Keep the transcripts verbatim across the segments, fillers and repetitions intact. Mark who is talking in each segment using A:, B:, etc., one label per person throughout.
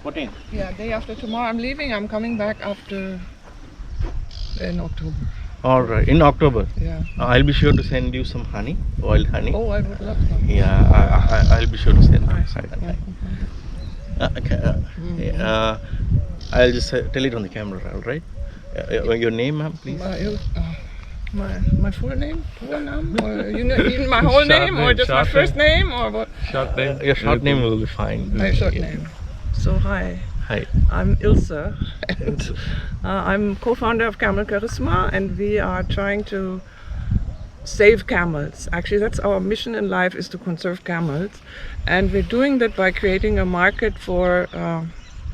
A: fourteenth?
B: Yeah, day after tomorrow I'm leaving. I'm coming back after in October.
A: All right, in October.
B: Yeah.
A: Uh, I'll be sure to send you some honey, wild honey.
B: Oh, I would love that.
A: Yeah, I, I, I'll be sure to send you
B: Nice.
A: some honey.
B: Yeah.
A: Uh, okay, uh,
B: Mhm.
A: uh, I'll just uh, tell it on the camera, all right? Uh, uh, your name, ma'am, please.
B: My, uh, my my full name, full name, or you know, even my whole
C: Short
B: name, or
C: name,
B: just my
C: short
B: first name, or what?
C: Short name.
A: Uh, your short name will be fine.
B: My short
A: Yeah.
B: name. So hi,
A: Hi.
B: I'm Ilse, and uh, I'm co-founder of Camel Charisma, and we are trying to save camels. Actually, that's our mission in life, is to conserve camels, and we're doing that by creating a market for uh,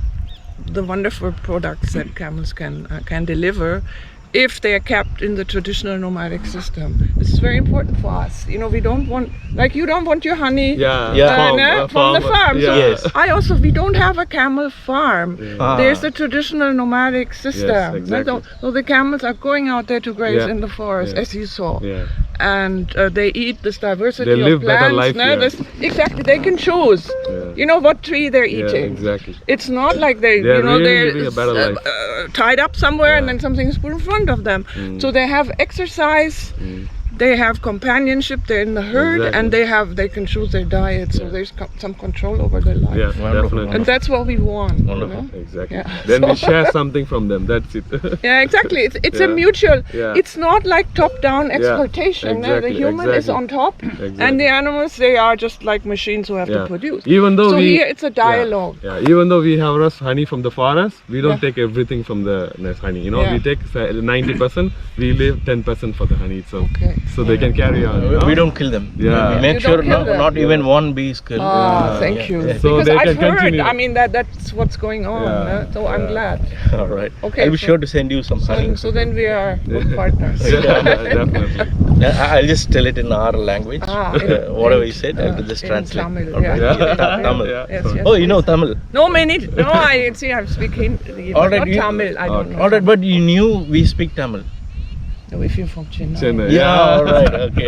B: the wonderful products that camels can uh, can deliver if they are kept in the traditional nomadic system. This is very important for us. You know, we don't want, like you don't want your honey
C: Yeah,
A: Yeah.
B: uh,
C: farm,
B: no,
C: uh,
B: from the farm.
C: Yeah.
B: So
A: Yes.
B: I also, we don't have a camel farm.
A: Ah.
B: There's the traditional nomadic system.
C: exactly.
B: So, so the camels are going out there to graze
C: Yeah.
B: in the forest,
C: Yeah.
B: as you saw.
C: Yeah.
B: And uh, they eat this diversity
C: They
B: of
C: live
B: plants.
C: better life
B: no?
C: here.
B: This- exactly, they can choose.
C: Yeah.
B: You know what tree they're
C: Yeah,
B: eating.
C: exactly.
B: It's not like they,
C: They're
B: you know,
C: really
B: they're
C: living a better
B: uh,
C: life.
B: uh, tied up somewhere and
C: Yeah.
B: then something is put in front of them.
C: Mm.
B: So they have exercise,
C: Mm.
B: they have companionship, they're in the herd,
C: Exactly.
B: and they have they can choose their diet. So
C: Yeah.
B: there's co- some control over their life.
C: Yeah,
A: Wonderful.
C: definitely.
B: And that's what we want. you
A: Wonderful.
B: know?
C: Exactly.
B: Yeah.
C: Then we
B: So-
C: share something from them. That's it.
B: Yeah, exactly. It's it's a
C: Yeah.
B: mutual.
C: Yeah.
B: It's not like top-down
C: Yeah,
B: exploitation. no? The
C: exactly,
B: human is
C: exactly.
B: on top,
C: Exactly.
B: and the animals, they are just like machines who have
C: Yeah.
B: to produce.
C: Even though
B: So
C: we
B: here it's a dialogue.
C: Yeah, yeah, even though we harvest honey from the forest, we don't
B: Yeah.
C: take everything from the nest honey. You know,
B: Yeah.
C: we take ninety percent, we leave ten percent for the honey. So,
B: Okay.
C: so they can carry on. you
A: We,
C: know?
A: we don't kill them.
C: Yeah.
A: We make
B: You
A: sure
B: don't kill
A: no,
B: them.
A: not even one bee is killed.
B: Ah,
A: Yeah,
B: thank
A: yeah,
B: you.
A: yeah.
C: So
B: because
C: they
B: I've
C: can
B: heard.
C: continue.
B: I mean that that's what's going on.
C: Yeah.
B: uh, so I'm
C: Yeah.
B: glad.
A: All right.
B: Okay,
A: I'll be
B: so-
A: sure to send you some honey.
B: So, so then we are good partners.
C: Yeah, definitely.
A: I- I'll just tell it in our language.
B: Ah,
A: Uh,
B: in-
A: whatever
B: in-
A: you said,
B: uh,
A: I'll just
B: in
A: translate.
B: Tamil,
A: All
B: yeah.
A: right.
C: Yeah.
A: Ta- Tamil.
C: Yeah.
B: Yes, yes,
A: Oh, you know
B: please.
A: Tamil.
B: No, many. No, I see. I'm speaking.
A: All
B: But
A: right,
B: not
A: you-
B: Tamil. I don't
C: Okay.
B: know.
A: All right, but you knew we speak Tamil.
B: No, if you're from Chennai.
C: Chennai.
A: Yeah, all right, okay.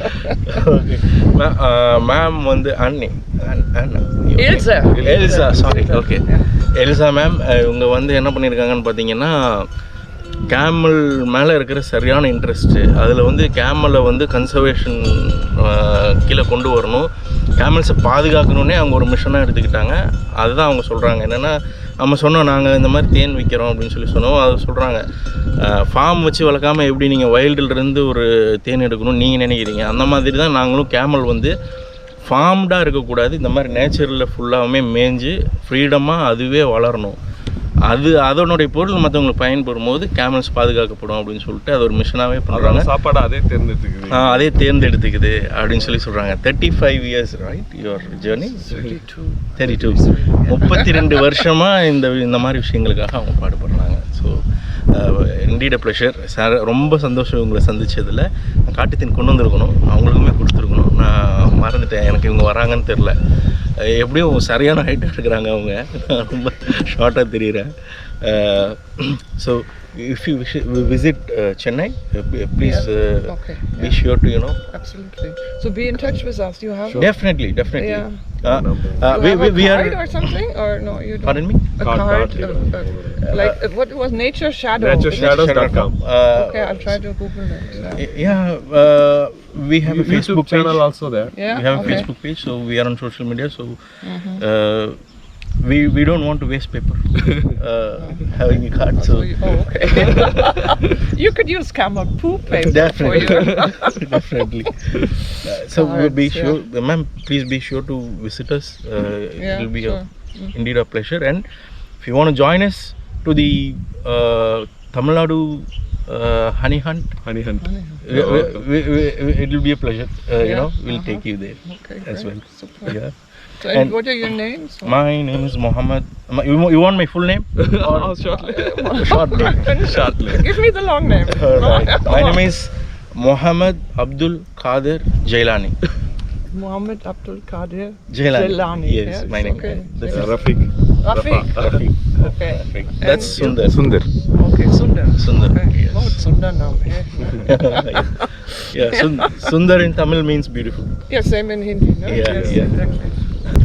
A: Okay. Ma- uh, ma'am வந்து அண்ணி அண்- அண்ணா.
B: Ilse.
A: Elsa sorry
B: Ilse.
A: Okay
B: Yeah.
A: Elsa ma'am இவங்க வந்து என்ன பண்ணியிருக்காங்கன்னு பார்த்தீங்கன்னா camel மேலே இருக்கிற சரியான இன்ட்ரெஸ்ட்டு அதில் வந்து கேமலை வந்து கன்சர்வேஷன் கீழே கொண்டு வரணும், கேமல்ஸை பாதுகாக்கணுன்னே அவங்க ஒரு மிஷனாக எடுத்துக்கிட்டாங்க. அதுதான் அவங்க சொல்கிறாங்க. என்னென்னா நம்ம சொன்னோம் நாங்கள் இந்த மாதிரி தேன் விற்கிறோம் அப்படின்னு சொல்லி சொன்னோம். அதை சொல்கிறாங்க ஃபார்ம் வச்சு வளர்க்காமல் எப்படி நீங்கள் வைல்டுலேருந்து ஒரு தேன் எடுக்கணும்னு நீங்கள் நினைக்கிறீங்க, அந்த மாதிரி தான் நாங்களும் கேமல் வந்து ஃபார்ம்டாக இருக்கக்கூடாது, இந்த மாதிரி நேச்சரில் ஃபுல்லாகவுமே மேய்ஞ்சு ஃப்ரீடமாக அதுவே வளரணும், அது அதனுடைய பொருள் மற்றவங்களுக்கு பயன்படும் போது கேமல்ஸ் பாதுகாக்கப்படும் அப்படின்னு சொல்லிட்டு அது ஒரு மிஷனாகவே பண்ணுறாங்க.
C: சாப்பாடு அதே தேர்ந்தெடுத்துக்குது.
A: அதே தேர்ந்தெடுத்துக்குது அப்படின்னு சொல்லி சொல்கிறாங்க. Thirty five years right your journey
B: thirty-two.
A: Thirty two முப்பத்தி ரெண்டு வருஷமாக இந்த இந்த மாதிரி விஷயங்களுக்காக அவங்க பாடுபடுறாங்க. So indeed a pleasure sir, ரொம்ப சந்தோஷம் உங்களை சந்திச்சதில். காட்டுத்தீன் கொண்டு வந்திருக்கணும், அவங்களுக்குமே கொடுத்துருக்கணும், நான் மறந்துட்டேன், எனக்கு இவங்க வராங்கன்னு தெரில. எப்படியும் சரியான ஹைட்டாக இருக்கிறாங்க அவங்க, நான் ரொம்ப ஷார்ட்டாக தெரியுறேன். So if you visit Chennai please
B: Okay.
A: be sure to, you know.
B: Absolutely. So be in touch with us. You have.
A: Definitely, definitely.
B: Yeah.
A: Uh, uh,
B: You
A: we,
B: have
A: we,
B: a
A: we are.
B: card or something, or no? You don't.
A: Pardon me?
B: A
C: Card,
B: card.
C: card,
B: uh, uh, like uh, what was Nature Shadow?
C: Nature
B: Is it?
C: Shadows dot com.
A: Uh,
B: Okay, I'll try to Google it. Yeah.
A: Yeah, uh, we have a
C: YouTube
A: Facebook page.
C: channel also there.
B: Yeah.
A: We have a
B: okay.
A: Facebook page, so we are on social media. So
B: Mhm.
A: uh, we we don't want to waste paper uh, having a card. So
B: So you- oh, okay. You could use camel poop paper
A: definitely,
B: for you.
A: definitely. Uh, so we'll be
B: Cards,
A: sure, uh, ma'am. Please be sure to visit us. Uh,
B: Yeah,
A: it will be
B: sure.
A: a, indeed a pleasure. And if you want to join us to the uh, Tamil Nadu uh, honey hunt,
C: Honey hunt.
A: we, we, we, we, it will be a pleasure. Uh, You
B: Yeah,
A: know, we'll
B: uh-huh.
A: take you there
B: Okay,
A: as
B: great.
A: well.
B: Super.
A: Yeah.
B: So, and,
A: And-
B: what are your names?
A: My name is Mohammed. My- You, wa- you want my full name?
C: Oh, shortly.
A: Short name.
C: Shortly.
B: Give me the long name.
A: Alright. My name is Mohammed Abdul Qadir Jailani.
B: Muhammad Abdul Qadir
A: Jailani.
B: Jailani.
A: Yes, my name.
B: Okay.
A: That's
C: Uh, Rafiq.
B: Rafiq.
A: Rafiq.
B: Okay.
A: Rafiq.
B: And
A: That's
B: you-
A: Sundar.
C: Sundar.
B: Okay, Sundar.
A: Sundar,
B: Okay.
A: yes.
B: Oh, it's Sundar now. Yeah.
A: Yeah, Sund- Sundar in Tamil means beautiful.
B: Yeah, same in Hindi. No?
A: Yeah,
B: yes,
A: yeah.
B: exactly.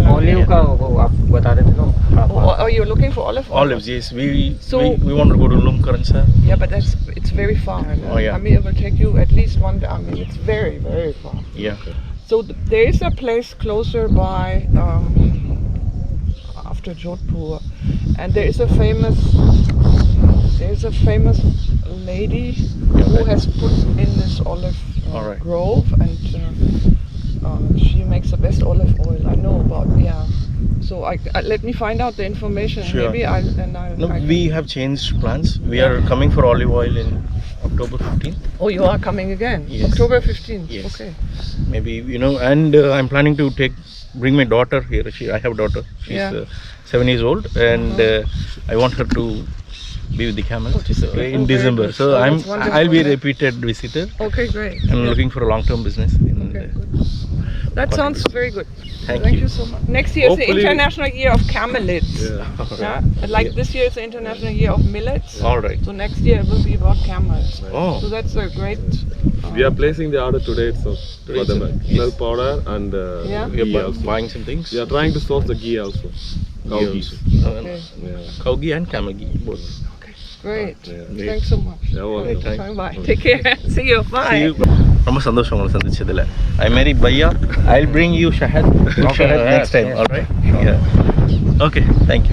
D: Olive का वो आप बता रहे थे ना
B: Oh, oh, you're looking for olive oil?
A: Olives, yes. We
B: So-
A: we, we want to go to Lumkaransa.
B: Yeah, but that's it's very far. no?
A: Oh, yeah.
B: I mean, it will take you at least one day. I mean, it's very, very far.
A: Yeah.
B: So th- there is a place closer by, um, after Jodhpur, and there is a famous, there is a famous lady who has put in this olive uh,
A: Alright.
B: grove, and uh, uh, she makes the best olive oil. I know about, yeah. So I, I let me find out the information.
A: Sure.
B: Maybe I then I.
A: No,
B: I
A: we have changed plans. We are coming for olive oil in October fifteenth.
B: Oh, you are coming again?
A: Yes.
B: October fifteenth.
A: Yes.
B: Okay.
A: Maybe, you know, and uh, I'm planning to take bring my daughter here. She I have a daughter. She's
B: Yeah.
A: uh, seven years old, and uh, I want her to be with the camel
B: Oh, this is
A: uh,
B: great.
A: in
B: Oh, very
A: December.
B: good.
A: So
B: Oh,
A: I'm
B: that's wonderful,
A: I'll be a
B: yeah.
A: repeated visitor.
B: Okay, great.
A: I'm
B: Yeah.
A: looking for a long-term business. In
B: Okay,
A: uh,
B: good. That
A: Quite
B: sounds
A: good.
B: very good.
A: Thank
B: Thank
A: you.
B: you so much. Next year is the
C: Hopefully-
B: International Year of Camelids.
C: Yeah.
B: Yeah? Like this year is the International Year of Millets.
A: All right.
B: So next year it will be about camels.
A: Oh.
B: So that's a great. Uh,
C: We are placing the order today itself for the
A: Yes.
C: milk powder and uh,
B: Yeah.
A: We are
C: ghee
A: bu-
C: also.
A: buying some things.
C: We are trying to source the ghee also. Cow
A: Ghee
C: ghee.
A: also. Uh,
B: Okay,
C: Yeah.
A: Cow ghee and camel ghee both.
B: great.
C: Yeah.
B: Thanks so much.
C: Yeah, welcome.
B: Great.
A: Thank-
B: Bye. Take care. See you. Bye.
A: See you. ரொம்ப சந்தோஷம் உங்களை சந்திச்சதுல. I marry Bhaiya. I'll bring you Shahad. Shahad next time. All right. Yeah. Okay. Thank you.